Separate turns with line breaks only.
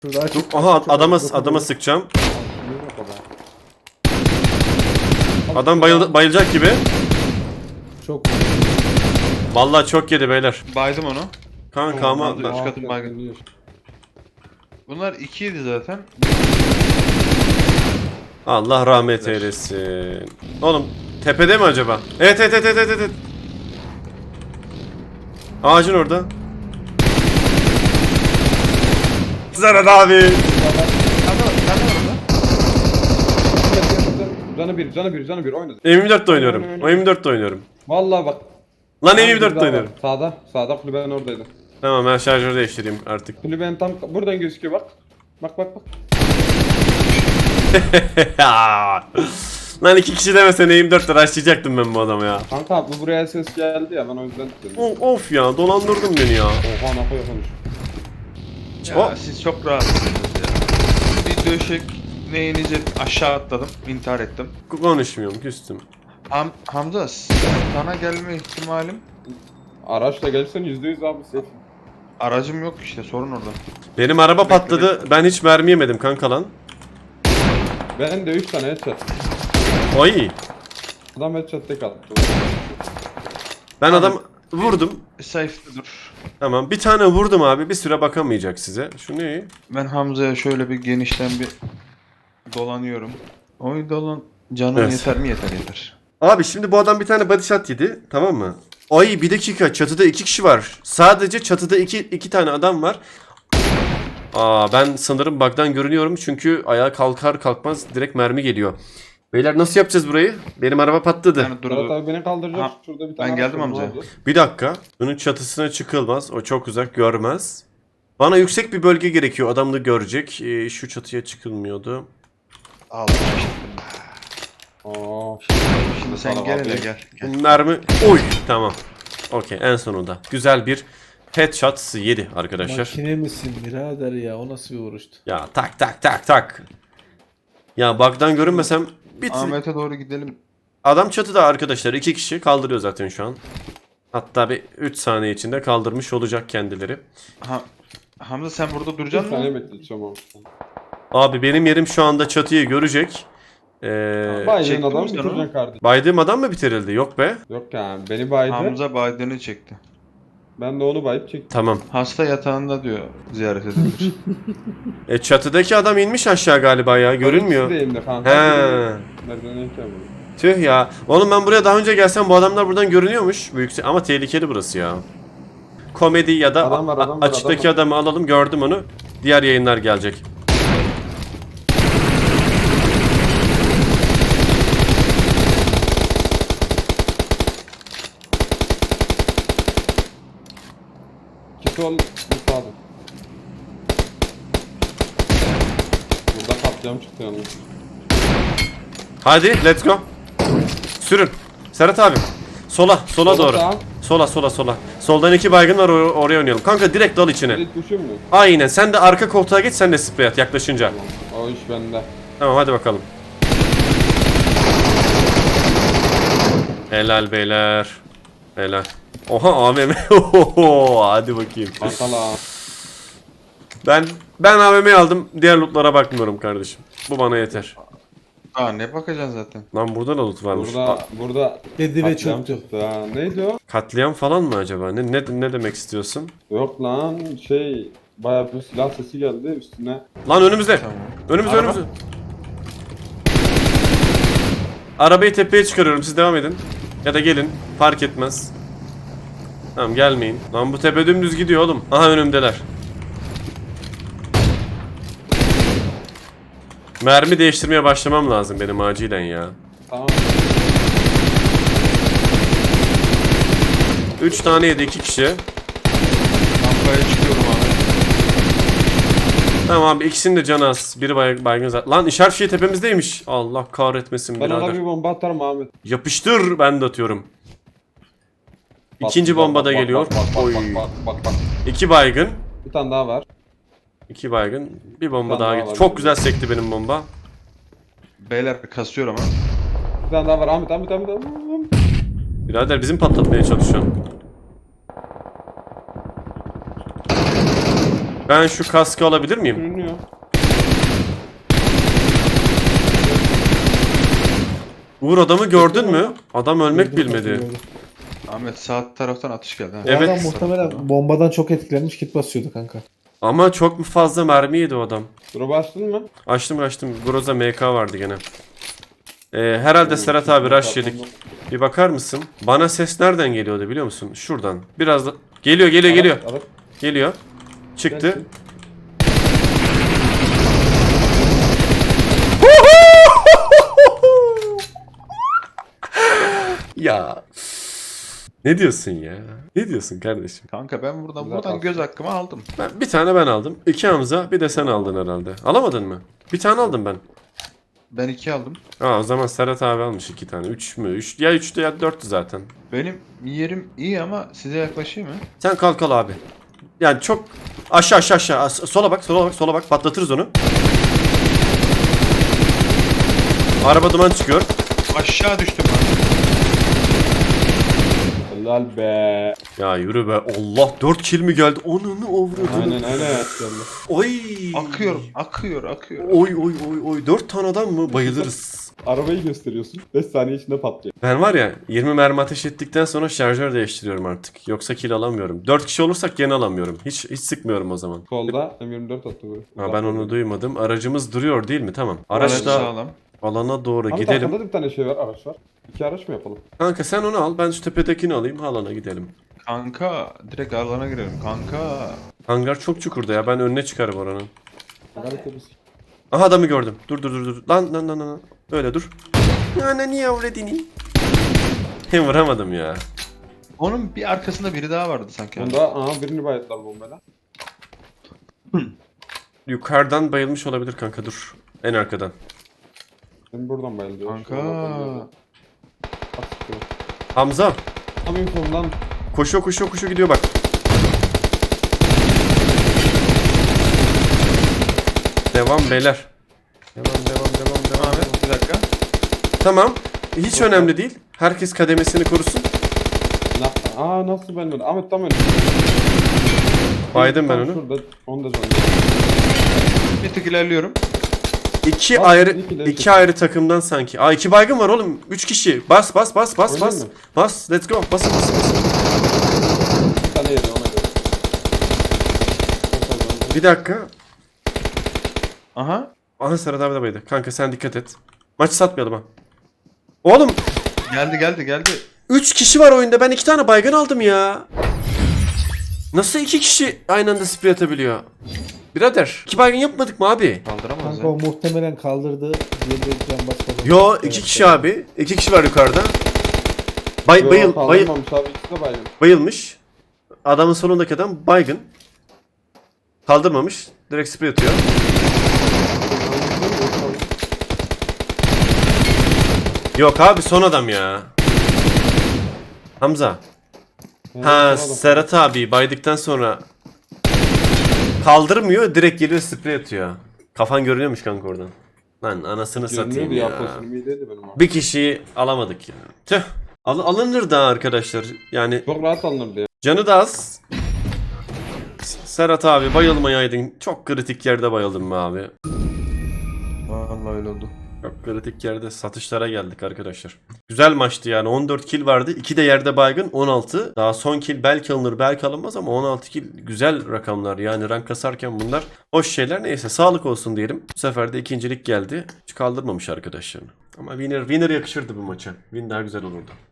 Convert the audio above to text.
Şurada açık.
Aha
açık,
adama sıkacağım.
Yok o be.
Adam bayılacak gibi.
Çok
Vallahi çok yedi beyler.
Baydım onu.
Kanka ama
Tamam, üst katın baygın. Bunlar 2'ydi zaten.
Allah rahmet eylesin. Oğlum tepede mi acaba? Evet. Ağacın orada. Zarar abi.
Canı bir oynadı.
M24'te oynuyorum. O M24'te oynuyorum.
Vallahi bak.
Lan
Bir
M24'te
daha
oynuyorum.
var. Sağda kulübenin oradaydı.
Tamam ben şarjörü değiştireyim artık.
Kulübenin tam buradan gözüküyor bak. Bak.
Lan iki kişi demesen M24'te rushlayacaktım ben bu adamı ya.
Kanka bu buraya ses geldi ya ben o yüzden dedim.
Of ya dolandırdın beni ya.
Oha ne konuş.
Ya siz çok rahatsınız ya. Bir döşek neyinize aşağı atladım. İntihar ettim.
Konuşmuyorum küstüm.
Hamza sana gelme ihtimalim.
Araçla gelsen %100 abi safe.
Aracım yok işte sorun orada.
Benim araba patladı. Ben hiç mermi yemedim kanka lan.
Ben de 3 tane headshot.
Ay.
Adam headshot tek attı.
Ben adam vurdum.
Safe'de dur.
Tamam bir tane vurdum abi. Bir süre bakamayacak size. Şu ne?
Ben Hamza'ya şöyle bir genişten bir dolanıyorum. Oy dolan. Canım
Evet.
yeter mi? Yeter.
Abi şimdi bu adam bir tane body shot yedi. Tamam mı? Ay bir dakika çatıda 2 kişi var. Sadece çatıda iki tane adam var. Ben sanırım bug'dan görünüyorum çünkü ayağa kalkar kalkmaz direkt mermi geliyor. Beyler nasıl yapacağız burayı? Benim araba patladı.
Yani dur.
Murat abi beni kaldıracak.
Ha,
Şurada bir tane
ben
araç
geldim
var, ne
amca.
oldu? Bir
Bir dakika. Bunun çatısına çıkılmaz. O çok uzak görmez. Bana yüksek bir bölge gerekiyor. Adam da görecek. Şu çatıya çıkılmıyordu.
Al.
Aa,
Şimdi sen gel hele gel.
Mermi. Oy. Tamam. Okey en sonunda. Güzel bir headshot yedi arkadaşlar.
Makine misin birader ya? O nasıl bir vuruştu?
Ya tak. Ya bug'dan görünmesem
Ahmet'e doğru gidelim.
Adam çatıda arkadaşlar. 2 kişi kaldırıyor zaten şu an. Hatta bir 3 saniye içinde kaldırmış olacak kendileri.
Hamza sen burada
bir
duracaksın
saniye
mı?
bekleyeceğim abi.
Abi benim yerim şu anda çatıyı görecek.
Baydın
çektin
adam
mi sen
bitireceksin
onu?
kardeşim.
Baydığım adam mı bitirildi? Yok be.
Yok yani beni baydı.
Hamza Biden'ı çekti.
Ben de onu bayıp çektim.
Tamam.
Hasta yatağında diyor ziyaret edilir.
Çatıdaki adam inmiş aşağı galiba ya. Görünmüyor.
İkisi de elimde kanka.
He.
Merdiveneyken mi?
Tüh ya. Oğlum ben buraya daha önce gelsem bu adamlar buradan görünüyormuş. Büyük ama tehlikeli burası ya. Komedi ya da
Adam var,
açıktaki adamı alalım. Gördüm onu. Diğer yayınlar gelecek.
İki sol, bir sağda. Burada katliam çıktı yalnız.
Hadi let's go. Sürün. Serhat abi. Sola doğru. Sola. Soldan 2 baygın var oraya oynayalım. Kanka direkt dal içine.
Direkt düşün mü?
Aynen. Sen de arka koltuğa geç sen de sprey at yaklaşınca.
O iş bende.
Tamam hadi bakalım. Helal beyler. Helal. Oha AVM. Oho, hadi bakayım.
Bankala.
Ben AVM'yi aldım. Diğer lootlara bakmıyorum kardeşim. Bu bana yeter.
Aa ne bakacaksın zaten.
Lan burada da loot varmış.
Burada
Kedi ve
katliam
çoktu.
çıktı ha. Neydi o?
Katliam falan mı acaba? Ne demek istiyorsun?
Yok lan bayağı bir silah sesi geldi üstüne.
Lan önümüzde.
Tamam.
Önümüzde.
Araba.
Arabayı tepeye çıkarıyorum. Siz devam edin. Ya da gelin. Fark etmez. Tamam gelmeyin. Lan bu tepe dümdüz gidiyor oğlum. Aha önümdeler. Mermi değiştirmeye başlamam lazım benim acilen ya.
Tamam.
3 tane yedi 2 kişi.
Rampaya çıkıyorum abi.
Tamam abi ikisinin de canı az. Biri baygın zaten. Lan işaret fişeği tepemizdeymiş. Allah kahretmesin
Ben ona
birader.
bir bomba atarım Ahmet.
Yapıştır ben de atıyorum. İkinci
Bak,
bomba da
bak,
geliyor.
Bak.
Oy.
Bak.
2 baygın.
Bir tane daha var.
2 baygın. Bir bomba
Bir tane
daha
daha
gitti.
var.
Çok güzel sekti benim bomba.
Beyler kasıyor ama.
Bir tane daha var Ahmet.
Birader bizim patlatmaya çalışıyor. Ben şu kaskı alabilir miyim?
Görünüyor.
Uğur adamı gördün mü? Adam ölmek bilmedi.
Ahmet sağ taraftan atış geldi. Ha.
Evet.
Adam muhtemelen bombadan çok etkilenmiş kit basıyordu kanka.
Ama çok mu fazla mermi yedi o adam.
Drop'u açtın mı?
Açtım. Groza MK vardı gene. Herhalde Serhat abi rush yedik. Bir bakar mısın? Bana ses nereden geliyordu biliyor musun? Şuradan. Biraz da... Geliyor.
Araç.
Geliyor. Çıktı.
Gelsin.
Ya. Ne diyorsun ya? Ne diyorsun kardeşim?
Kanka ben buradan
Güzel
buradan
pas.
göz hakkımı aldım.
Bir tane ben aldım. 2 Hamza, bir de sen aldın herhalde. Alamadın mı? Bir tane aldım ben.
Ben 2 aldım.
O zaman Serhat abi almış 2 tane. 3 mü? 3 ya 3'tü ya 4'tü zaten.
Benim yerim iyi ama size yaklaşayım mı?
Sen kalk al abi. Yani çok aşağı. Sola bak. Patlatırız onu. Araba duman çıkıyor.
Aşağı düştüm ben.
Helal be.
Ya yürü be. Allah 4 kill mi geldi? Onunu avradını.
Aynen.
Oy.
Akıyor.
Oy. 4 tane adam mı? Bayılırız.
Arabayı gösteriyorsun. 5 saniye içinde patlıyor.
Ben var ya 20 mermi ateş ettikten sonra şarjör değiştiriyorum artık. Yoksa kill alamıyorum. 4 kişi olursak gene alamıyorum. Hiç sıkmıyorum o zaman.
Solda M24 attı bu.
Ha, ben onu duymadım. Aracımız duruyor değil mi? Tamam.
Araç
Araçla
sağlam.
alana doğru
Ahmet
gidelim.
arkanda da bir tane şey var, araç var. 2 araç mı yapalım?
Kanka sen onu al. Ben şu tepedekini alayım. Alana gidelim.
Kanka direkt alana girelim kanka.
Hangar çok çukurda ya. Ben önüne çıkarım oranın.
Gayet temiz.
Aha adamı gördüm. Dur. Lan. Öyle dur. Niye avredini? Hem vuramadım ya.
Onun bir arkasında biri daha vardı sanki.
Onda birini bayatlar bombayla.
Yukarıdan bayılmış olabilir kanka dur. En arkadan.
Ben buradan bayılıyor.
Kanka.
Hamza.
Tam infondan
Koşuyor gidiyor bak. Devam beyler. Devam.
Ahmet bir dakika.
Tamam. Hiç önemli değil. Herkes kademesini korusun.
nasıl ben öyle? Ahmet tam öyle.
Baydım ben
Tam
onu.
Şurada, onu da canım.
Bir tık ilerliyorum.
İki
Bas,
ayrı
iki
iki ayrı takımdan sanki. 2 baygın var oğlum. 3 kişi. Bas.
Oynayayım mı?
Bas. Let's go. Basın.
Bir tane yedi ona göre.
Bir dakika.
Aha.
Aha Serhat abi de baydı. Kanka sen dikkat et. Maçı satmayalım ha. Oğlum
Geldi.
3 kişi var oyunda. Ben 2 tane baygın aldım ya. Nasıl 2 kişi aynı anda sprey atabiliyor? Birader 2 baygın yapmadık mı abi?
Kaldıramaz
Kanka
ya.
o muhtemelen kaldırdı. Diğeri de can basmadı.
Yo 2 kişi abi. 2 kişi var yukarıda.
Kaldırmamış abi, ikisi de baygın.
Bayılmış. Adamın solundaki adam baygın. Kaldırmamış. Direkt sprey atıyor. Yok abi son adam ya. Hamza. Ha Serhat abi baydıktan sonra kaldırmıyor, direkt geliyor sprey atıyor. Kafan görünüyormuş kanka oradan. Lan anasını satayım
Görünüyordu
ya.
ya. Pozisyonum iyi değildi benim abi.
Bir kişiyi alamadık ya. Tüh. Alınır da arkadaşlar. Yani
Çok rahat alınırdı ya.
canı da az. Serhat abi bayılmayaydın. Çok kritik yerde bayıldın mı abi?
Vallahi öyle oldu.
Çok kritik yerde satışlara geldik arkadaşlar. Güzel maçtı yani. 14 kill vardı. 2 de yerde baygın 16. Daha son kill belki alınır belki alınmaz ama 16 kill güzel rakamlar. Yani rank kasarken bunlar hoş şeyler. Neyse sağlık olsun diyelim. Bu sefer de ikincilik geldi. Hiç kaldırmamış arkadaşlarını. Ama winner yakışırdı bu maça. Win daha güzel olurdu.